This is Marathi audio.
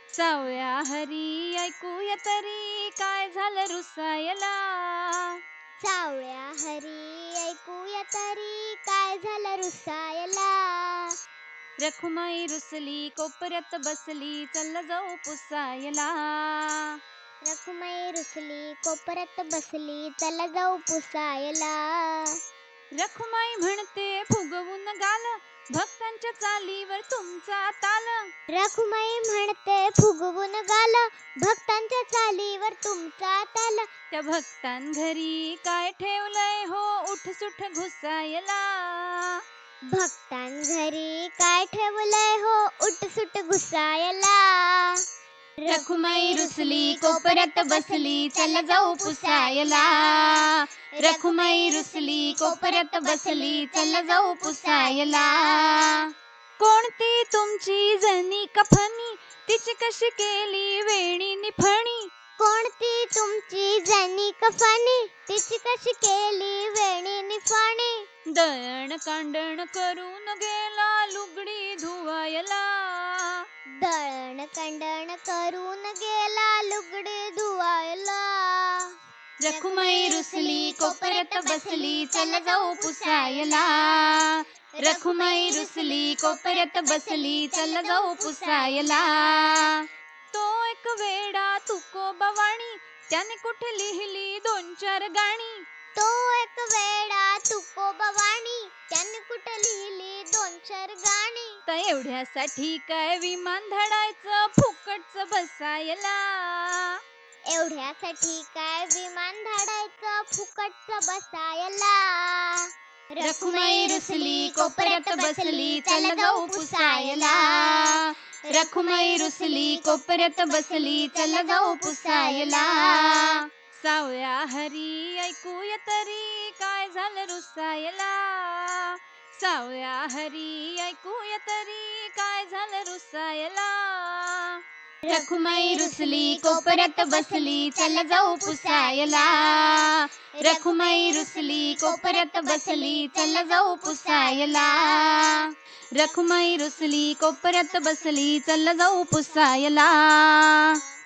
सावळ्या हरी ऐकूया तरी काय झालं रुसायला. सावळ्या हरी ऐकूया तरी काय झालं रुसायला. रखुमाई रुसली कोपऱ्यात बसली चल जाऊ पुसायला. रखुमाई रुसली कोपऱ्यात बसली चला जाऊ पुसायला. रखुमाई म्हणते फुगवून गाल भक्तांच्या चालीवर तुमचा ताल. रखुमाई म्हणते फुगवून गाल भक्तांच्या चालीवर तुमचा ताल. त्या भक्तांघरी काय ठेवलंय हो उठसुठ घुसायला. भक्तांघरी काय ठेवलंय हो उठसूट घुसायला. रखुमाई रुसली कोपऱ्यात बसली चल जाऊ पुसायला. रखुमाई रुसली कोपऱ्यात बसली चल जाऊ पुसायला. कोणती तुमची जणी कफनी तिची कशी केली वेणी निफणी. कोणती तुमची जणी कफनी तिची कशी केली वेणी निफाणी. दळण कांडण करून गेला लुगडी धुवायला. दळण कंडण करून गेला लुगडे धुवायला. रखुमाई रुसली कोपऱ्यात बसली चल जाऊ पुसायला. रखुमाई रुसली कोपऱ्यात बसली चल जाऊ पुसायला. तो एक वेडा तुकोबावाणी त्याने कुठे लिहिली दोन चार गाणी. तो एक वेडा तुकोबावाणी त्याने कुठे लिहिली दोन चार गाणी. तर एवढ्यासाठी काय विमान धडायचं फुकटच बसायला. एवढ्यासाठी काय विमान धाडायचं फुकटच बसायला. रखुमाई रुसली कोपऱ्यात बसली चल जाऊ पुसायला. रखुमाई रुसली कोपऱ्यात बसली चल जाऊ पुसायला. सावळ्या हरी ऐकूया तरी काय झालं रुसायला. सावळ्या हरी ऐकूया तरी काय झालं रुसायला. रखुमाई रुसली कोपऱ्यात बसली चल जाऊ पुसायला. रखुमाई रुसली कोपऱ्यात बसली चल जाऊ पुसायला. रखुमाई रुसली कोपऱ्यात बसली चल जाऊ पुसायला.